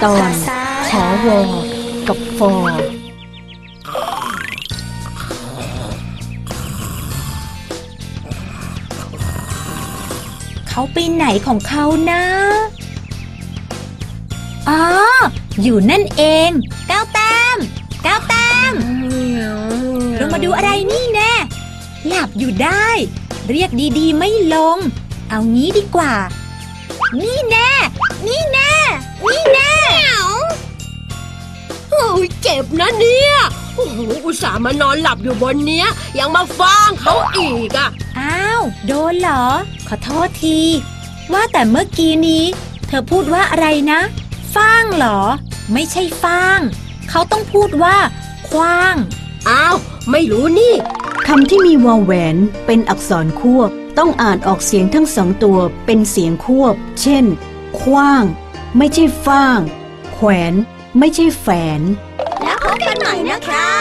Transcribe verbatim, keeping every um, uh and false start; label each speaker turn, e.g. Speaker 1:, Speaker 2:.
Speaker 1: ตอนขอวอกับฟอ
Speaker 2: เขาไปไหนของเขานะอ๋ออยู่นั่นเองก้าวแต้มก้าวแต้มลงมาดูอะไรนี่แน่หลับอยู่ได้เรียกดีๆไม่ลงเอางี้ดีกว่านี่แน่นี่แน่นี่แน่
Speaker 3: โอ้ยเจ็บนะเนี่ยโอ้โหอุตส่าห์มานอนหลับอยู่บนเนี้ยยังมาฟ้างเขาอีกอ่ะ
Speaker 2: อ้าวโดนเหรอขอโทษทีว่าแต่เมื่อกี้นี้เธอพูดว่าอะไรนะฟ้างเหรอไม่ใช่ฟ้างเขาต้องพูดว่าขว้าง
Speaker 3: อ้าวไม่รู้นี่
Speaker 1: คำที่มีวอแหวนเป็นอักษรควบต้องอ่านออกเสียงทั้งสองตัวเป็นเสียงควบเช่นขว้างไม่ใช่ฟ้างแขวนไม่ใช่แฝน
Speaker 3: แล้วพบกันใหม่นะคะ